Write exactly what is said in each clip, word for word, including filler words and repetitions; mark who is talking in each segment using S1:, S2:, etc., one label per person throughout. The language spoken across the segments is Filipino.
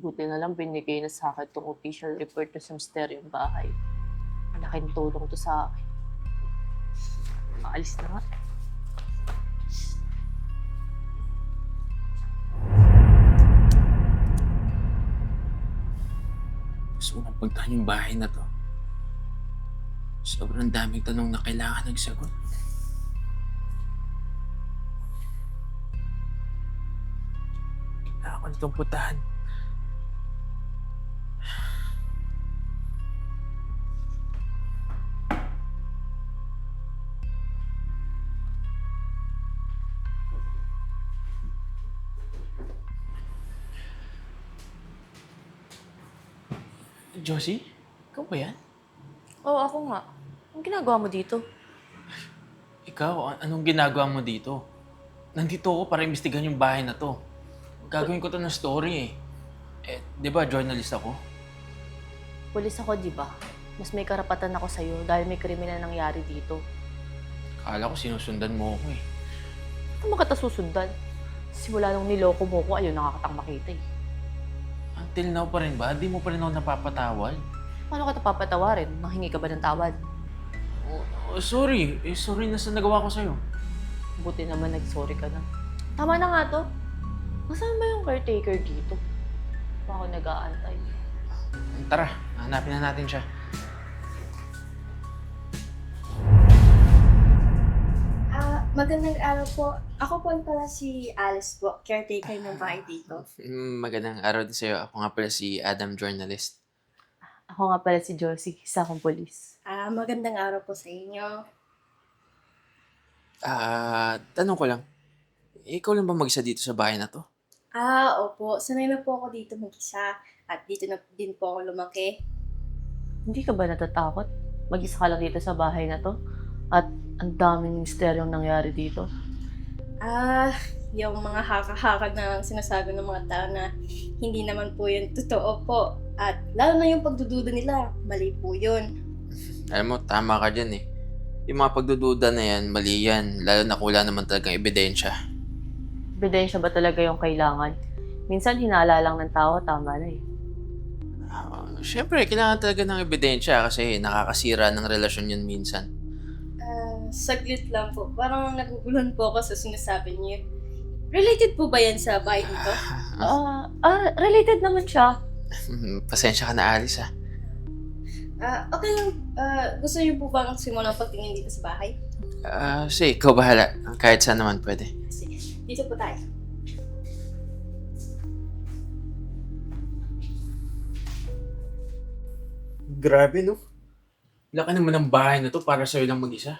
S1: Buti na lang binigay na sa akin tong official report na sa misteryong bahay. Malaking tulong to sa akin. Maalis na nga.
S2: Gusto ko nang puntahan yung bahay na to. Sobrang daming tanong na kailangan ng sagot. Kailangan ko nitong puntahan. Josie? Ikaw ba yan?
S1: Oo, ako nga. Anong ginagawa mo dito?
S2: Ikaw, an- anong ginagawa mo dito? Nandito ako para imbestigahan yung bahay na to. Gagawin ko to ng story eh. Eh, di ba journalist ako?
S1: Pulis ako, di ba? Mas may karapatan ako sa'yo dahil may kriminal nangyari dito.
S2: Akala ko sinusundan mo ako eh.
S1: Ano mo kita susundan? Simula nung niloko mo ko, ayaw nakakatang makita eh.
S2: Until now pa rin ba? Di mo pa rin ako napapatawad?
S1: Paano kita papatawarin? Manghingi ka ba ng tawad?
S2: Oh, oh, sorry. Eh, sorry na sa nagawa ko sa'yo.
S1: Buti naman nag-sorry ka na. Tama na nga to. Nasaan ba yung caretaker dito? Pa ako nag-aantay.
S2: Tara, hanapin na natin siya.
S3: Ah, magandang araw po. Ako po pala si Alice po, caretaker ng bahay dito.
S2: Mm, Magandang araw din sa'yo. Ako nga pala si Adam, journalist.
S1: Ako nga pala si Josie, isa akong polis.
S3: Ah, magandang araw po sa inyo.
S2: Ah, tanong ko lang. Ikaw lang ba mag-isa dito sa bahay na to?
S3: Ah, opo. Sanay na po ako dito mag-isa. At dito na din po ako lumaki.
S1: Hindi ka ba natatakot? Mag-isa ka lang dito sa bahay na to? At ang daming misteryong nangyari dito.
S3: Ah, yung mga haka-haka na sinasabi ng mga tao na hindi naman po yun totoo po. At lalo na yung pagdududa nila, mali po yun.
S2: Alam mo, tama ka dyan eh. Yung mga pagdududa na yan, mali yan. Lalo na kung wala naman talagang ebidensya.
S1: Ebidensya ba talaga yung kailangan? Minsan hinala lang ng tao, tama na eh.
S2: Ah, Siyempre, kailangan talaga ng ebidensya kasi nakakasira ng relasyon yun minsan.
S3: Ah, saglit lang po. Parang naguguluhan po ako sa sinasabi niyo. Related po ba yan sa bahay dito?
S1: Ah, ah, related naman siya.
S2: Pasensya ka na, Alice ah.
S3: Ah, okay lang. Ah, gusto niyo po bang simulang pagtingin dito sa bahay?
S2: Ah, sige, ikaw bahala. Kahit saan naman pwede.
S3: Sige, dito po tayo.
S2: Grabe, no? Laki naman ng bahay na to para sa'yo lang mag-isa.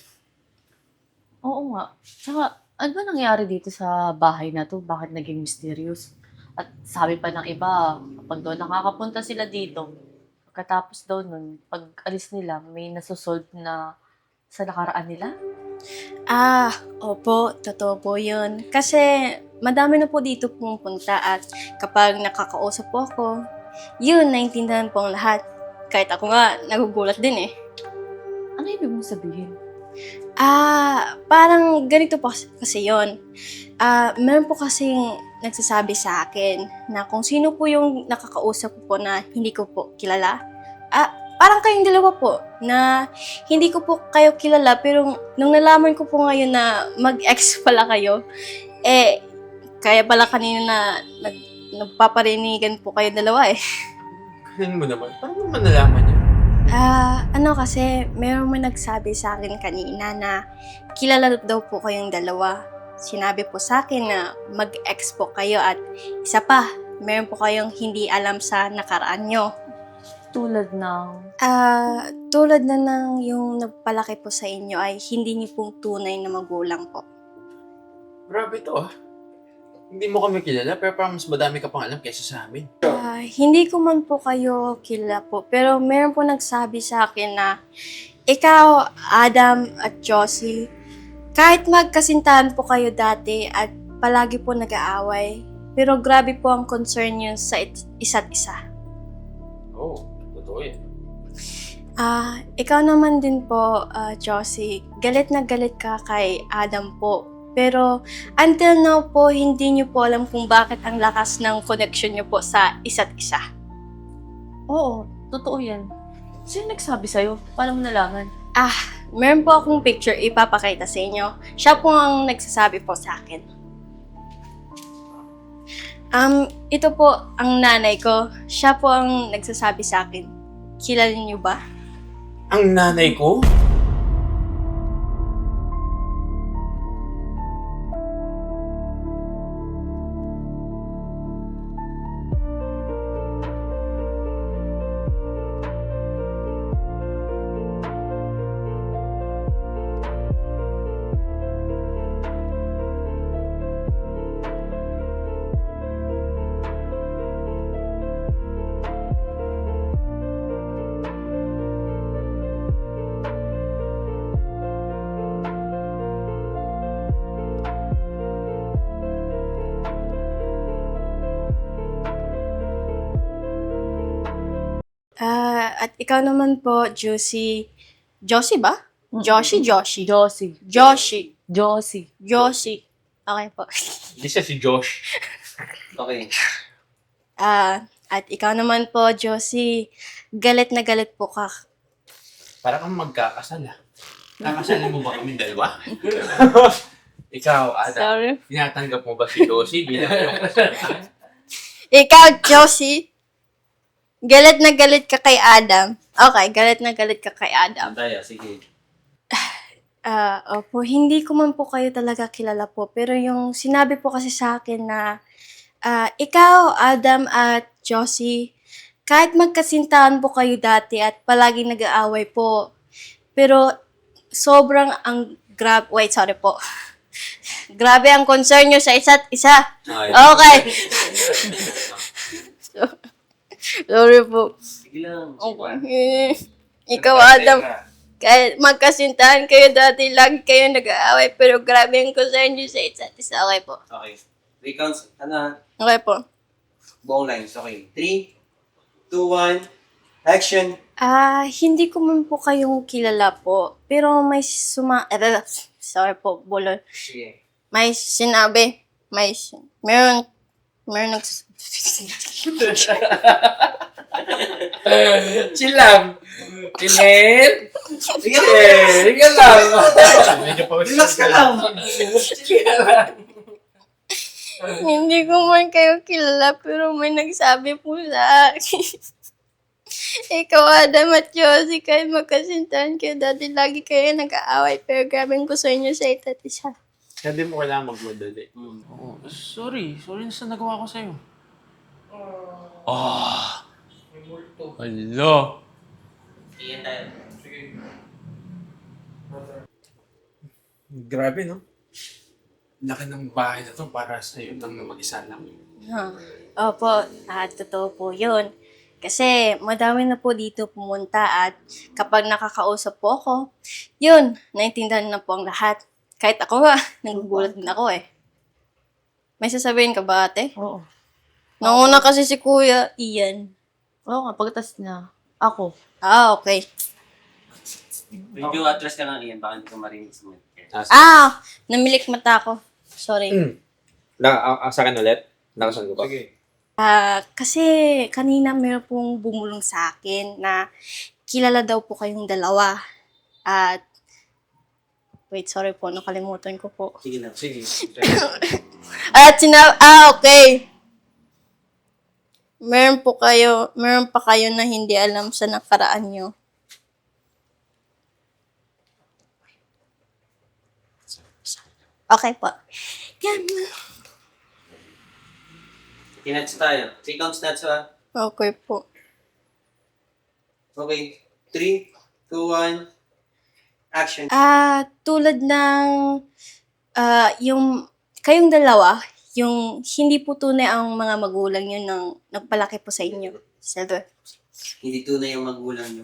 S1: Oo nga. Tsaka, ano ba nangyari dito sa bahay na to? Bakit naging mysterious? At sabi pa ng iba, kapag doon nakakapunta sila dito, pagkatapos daw nun, pag alis nila, may nasosolve na sa nakaraan nila.
S3: Ah, opo, totoo po yun. Kasi madami na po dito pumupunta at kapag nakakausap po ako, yun, naintindihan po ang lahat. Kahit ako nga, nagugulat din eh.
S1: Ano ibig mong sabihin?
S3: Ah, parang ganito po kas- kasi yon. Ah, meron po kasing nagsasabi sa akin na kung sino po yung nakakausap ko po na hindi ko po kilala. Ah, parang kayong dalawa po na hindi ko po kayo kilala pero nung nalaman ko po ngayon na mag-ex pala kayo, eh, kaya pala kanina na nag, nagpaparinigan po kayo dalawa eh.
S2: Ganun mo naman. Paano mo nalaman yun?
S3: Ah, ano kasi, meron may nagsabi sa akin kanina na kilala daw po kayong dalawa. Sinabi po sa akin na mag-ex po kayo at isa pa, meron po kayong hindi alam sa nakaraan nyo.
S1: Tulad ng...
S3: Ah, tulad na ng yung nagpalaki po sa inyo ay hindi niyo pong tunay na magulang po.
S2: Grabe to ah. Hindi mo kami kilala pero parang mas madami ka pang alam kaysa sa amin.
S3: Ah, hindi ko man po kayo kilala po, pero meron po nagsabi sa akin na ikaw, Adam at Josie, kahit magkasintahan po kayo dati at palagi po nag-aaway, pero grabe po ang concern niyo sa it- isa't isa.
S2: Oo, oh, totoo yan.
S3: Ah, ikaw naman din po, ah, Josie, galit na galit ka kay Adam po Pero until now po, hindi niyo po alam kung bakit ang lakas ng connection niyo po sa isa't isa.
S1: Oo, totoo yan. Sino nagsabi sa'yo? Paano mo nalaman?
S3: Ah, meron po akong picture ipapakita sa inyo. Siya po ang nagsasabi po sa akin. Um, ito po ang nanay ko. Siya po ang nagsasabi sa akin. Kilala niyo ba?
S2: Ang nanay ko?
S3: Ah, at ikaw naman po, Josie. Josie ba? Josie, Josie.
S1: Josie.
S3: Josie.
S1: Josie.
S3: Josie. Okay po.
S2: Hindi siya si Josh.
S4: Okay.
S3: Ah, at ikaw naman po, Josie. Galit na galit po ka.
S2: Para kang magkakasal ah. Kakasalin mo ba kami dalawa? Ikaw, Ada,
S3: Sorry.
S2: tinatanggap mo ba si Josie bilang iyong kasal?
S3: Ikaw, Josie. Galit na galit ka kay Adam. Okay, galit na galit ka kay Adam.
S4: Tayo, sige.
S3: Ah, opo, hindi ko man po kayo talaga kilala po. Pero yung sinabi po kasi sa akin na ah, ikaw, Adam at Josie, kahit magkasintahan po kayo dati at palaging nag-aaway po, pero sobrang ang grab... Wait, sorry po. Grabe ang concern nyo sa isa't isa. Okay. Sorry po.
S4: Sige lang.
S3: Okay. Ikaw, Adam, kahit magkasintahan kayo dati, lagi kayo nag-aaway, pero grabe ang concern nyo sa isa't isa. Okay po.
S4: Okay. Three counts. Ano?
S3: Okay po.
S4: Buong lines. Okay. Three, two, one. Action.
S3: Ah, hindi ko man po kayong kilala po, pero may suma... eh, sorry po, bulol.
S4: Sige.
S3: May sinabi, may... sin- Meron... Meron nags...
S2: Chill lang. Chill.
S4: Sige.
S2: Sige lang. Medyo pa
S4: Relax ka lang.
S2: Sige lang.
S3: Hindi ko man kayo kilala, pero may nagsabi po sa akin. Ikaw, Adam at Josie, kahit magkasintahan kayo dati, lagi kayo nag-aaway, pero grabe ko sa inyo sa isa't isa.
S2: Hindi mo kailangan magmadali.
S4: Hmm.
S2: Oo, sorry. Sorry na sa nagawa ko sa'yo. Ah. Hello.
S4: Iyan tayo.
S2: Grabe, no? Laki ng bahay na to para sa'yo lang na mag-isa lang.
S3: Huh. Opo, ah, totoo po yun. Kasi madami na po dito pumunta at kapag nakakausap po ako, yun, naintindihan na po ang lahat. Kahit ako nga, nagugulat din ako eh. May sasabihin ka ba, ate?
S1: Oo.
S3: Nauna kasi si Kuya Ian.
S1: Oo nga, pagkatas na ako.
S3: Ah, okay.
S4: Medyo atras ka lang, Ian. Baka hindi ko marinig sa mic.
S3: Ah, namilik mata ko. Sorry.
S5: Mm. Na, ah, sa akin ulit? Nakasan ko ba?
S2: Sige.
S3: Ah, kasi kanina meron pong bumulong sa akin na kilala daw po kayong dalawa. At, wait, sorry po, nakalimutan ko po.
S4: Sige lang.
S2: Sige.
S3: At sina ah, okay. Meron po kayo, meron pa kayo na hindi alam sa nakaraan nyo. Okay po. Yan.
S4: Tinats tayo. Three counts nuts, ha?
S3: Okay po.
S4: Okay. Three, two, one. Action.
S3: Ah, tulad ng ah yung kayong dalawa, yung hindi po tunay ang mga magulang yun nang nagpalaki po sa inyo. Silver.
S4: Hindi tunay yung magulang nyo.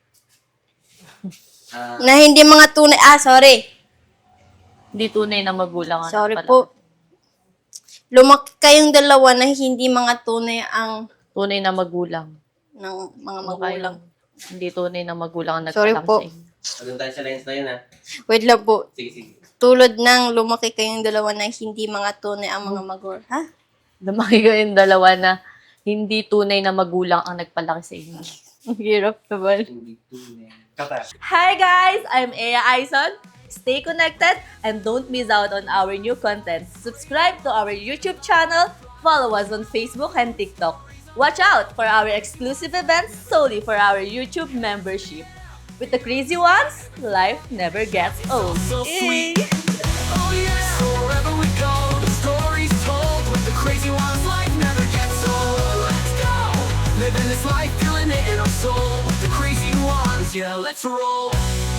S4: Ah,
S3: Na hindi mga tunay, ah, sorry.
S1: Hindi tunay na magulang. ang
S3: Sorry
S1: pala.
S3: po. Lumaki kayong dalawa na hindi mga tunay ang
S1: Tunay na magulang.
S3: ng mga
S1: Ano
S3: magulang.
S1: kayo? Hindi tunay na magulang ang
S3: Sorry
S1: nagpalaki
S3: po.
S1: sa inyo.
S4: Ano tayo sa lines na yun, ha?
S3: Wait lang po.
S4: Sige, sige.
S3: Tulad ng lumaki kayong dalawa na hindi mga tunay ang mga magur. Ha?
S1: Lumaki kayong dalawa na hindi tunay na magulang ang nagpalaki sa inyo.
S3: Ang hirap naman.
S4: Hindi tunay. Kata.
S6: Hi guys, I'm Ea Aison. Stay connected and don't miss out on our new content. Subscribe to our YouTube channel, follow us on Facebook and TikTok. Watch out for our exclusive events solely for our YouTube membership. With the crazy ones, life never gets old.
S7: So
S6: Yay!
S7: sweet. Oh yeah. So wherever we go, the story's told. With the crazy ones, life never gets old. Let's go. Living this life, feeling it in our soul. With the crazy ones, yeah, let's roll.